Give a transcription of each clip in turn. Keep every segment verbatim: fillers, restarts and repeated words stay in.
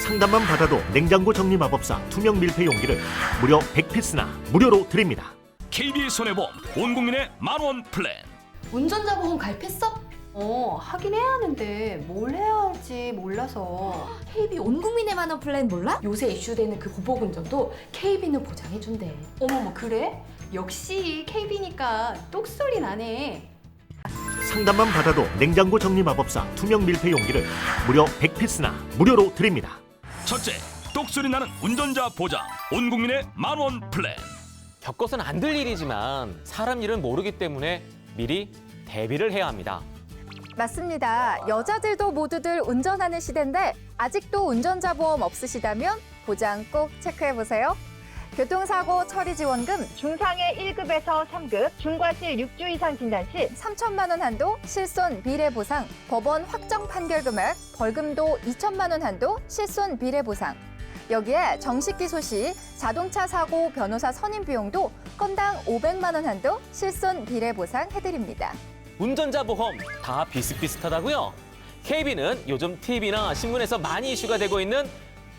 상담만 받아도 냉장고 정리 마법사 투명 밀폐 용기를 무려 백 피스나 무료로 드립니다. 케이비에스 손해보험 온 국민의 만원 플랜. 운전자 보험 가입했어? 어, 하긴 해야 하는데 뭘 해야 할지 몰라서. 케이비 온 국민의 만원 플랜 몰라? 요새 이슈되는 그 보복운전도 케이비는 보장해준대. 어머머, 그래? 역시 케이비니까 똑소리 나네. 상담만 받아도 냉장고 정리 마법사 투명 밀폐 용기를 무려 백 피스나 무료로 드립니다. 첫째, 똑소리 나는 운전자 보장 온 국민의 만원 플랜. 겪어서는 안 될 일이지만 사람 일은 모르기 때문에 미리 대비를 해야 합니다. 맞습니다. 여자들도 모두들 운전하는 시대인데 아직도 운전자 보험 없으시다면 보장 꼭 체크해보세요. 교통사고 처리 지원금 중상해 일 급에서 삼 급, 중과실 육 주 이상 진단 시 삼천만 원 한도 실손 비례 보상, 법원 확정 판결 금액, 벌금도 이천만 원 한도 실손 비례 보상. 여기에 정식 기소 시 자동차 사고 변호사 선임 비용도 건당 오백만 원 한도 실손 비례 보상 해드립니다. 운전자 보험 다 비슷비슷하다고요? 케이비는 요즘 티비나 신문에서 많이 이슈가 되고 있는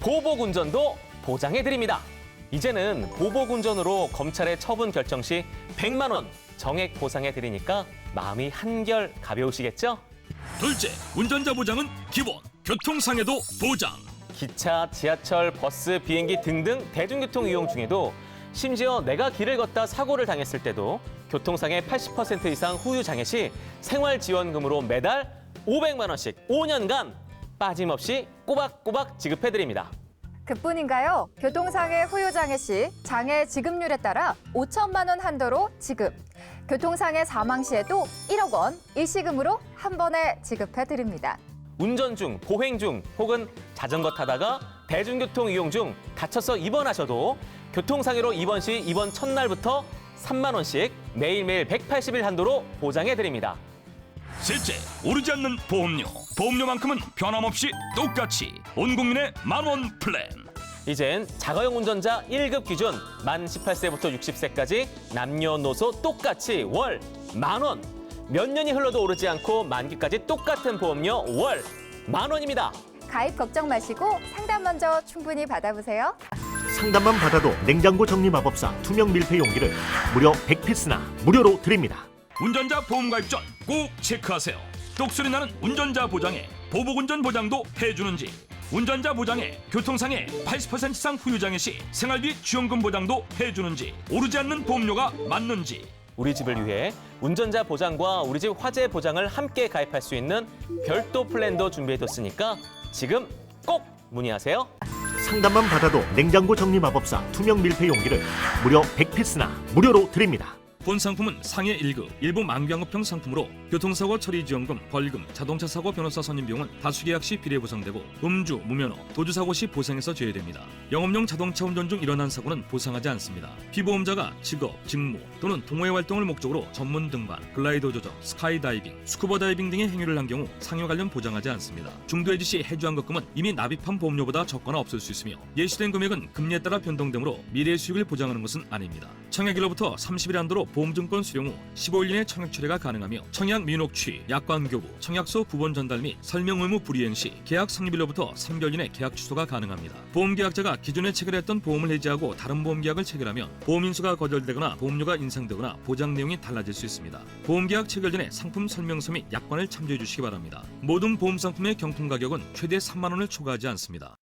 보복운전도 보장해드립니다. 이제는 보복운전으로 검찰에 처분 결정 시 백만 원 정액 보상해드리니까 마음이 한결 가벼우시겠죠? 둘째, 운전자 보장은 기본, 교통상해도 보장. 기차, 지하철, 버스, 비행기 등등 대중교통 이용 중에도 심지어 내가 길을 걷다 사고를 당했을 때도 교통상해 팔십 퍼센트 이상 후유 장애 시 생활지원금으로 매달 오백만 원씩 오 년간 빠짐없이 꼬박꼬박 지급해드립니다. 그뿐인가요? 교통상해 후유장애 시 장애 지급률에 따라 오천만 원 한도로 지급. 교통상해 사망 시에도 일억 원 일시금으로 한 번에 지급해드립니다. 운전 중, 보행 중 혹은 자전거 타다가 대중교통 이용 중 다쳐서 입원하셔도 교통상해로 입원 시 입원 첫날부터 삼만 원씩 매일매일 백팔십 일 한도로 보장해드립니다. 셋째, 오르지 않는 보험료. 보험료만큼은 변함없이 똑같이 온 국민의 만원 플랜. 이젠 자가용 운전자 일 급 기준 만 열여덟 세부터 육십 세까지 남녀노소 똑같이 월 만 원. 몇 년이 흘러도 오르지 않고 만기까지 똑같은 보험료 월 만 원입니다. 가입 걱정 마시고 상담 먼저 충분히 받아보세요. 상담만 받아도 냉장고 정리 마법사 투명 밀폐 용기를 무려 백 피스나 무료로 드립니다. 운전자 보험 가입 전 꼭 체크하세요. 똑소리 나는 운전자 보장에 보복운전 보장도 해주는지, 운전자 보장에 교통상해 팔십 퍼센트 이상 후유장애 시 생활비 지원금 보장도 해주는지, 오르지 않는 보험료가 맞는지. 우리 집을 위해 운전자 보장과 우리 집 화재 보장을 함께 가입할 수 있는 별도 플랜도 준비해뒀으니까 지금 꼭 문의하세요. 상담만 받아도 냉장고 정리 마법사 투명 밀폐 용기를 무려 백 피스나 무료로 드립니다. 본 상품은 상해 일 급, 일부 만병업형 상품으로 교통사고 처리 지원금, 벌금, 자동차 사고 변호사 선임 비용은 다수계약 시 비례 보상되고 음주, 무면허, 도주사고 시 보상에서 제외됩니다. 영업용 자동차 운전 중 일어난 사고는 보상하지 않습니다. 피보험자가 직업, 직무 또는 동호회 활동을 목적으로 전문 등반, 글라이더 조정, 스카이다이빙, 스쿠버 다이빙 등의 행위를 한 경우 상해 관련 보장하지 않습니다. 중도해지 시 해주한 것금은 이미 납입한 보험료보다 적거나 없을 수 있으며 예시된 금액은 금리에 따라 변동되므로 미래의 수익을 보장하는 것은 아닙니다. 청약일로부터 삼십 일 한도로 보험증권 수령 후 십오 일 이내 청약 철회가 가능하며 청약 민혹취, 약관 교부, 청약서 부본 전달 및 설명 의무 불이행 시 계약 성립일로부터 삼 개월 이내 계약 취소가 가능합니다. 보험계약자가 기존에 체결했던 보험을 해지하고 다른 보험계약을 체결하면 보험인수가 거절되거나 보험료가 인상되거나 보장 내용이 달라질 수 있습니다. 보험계약 체결 전에 상품 설명서 및 약관을 참조해 주시기 바랍니다. 모든 보험 상품의 경품 가격은 최대 삼만 원을 초과하지 않습니다.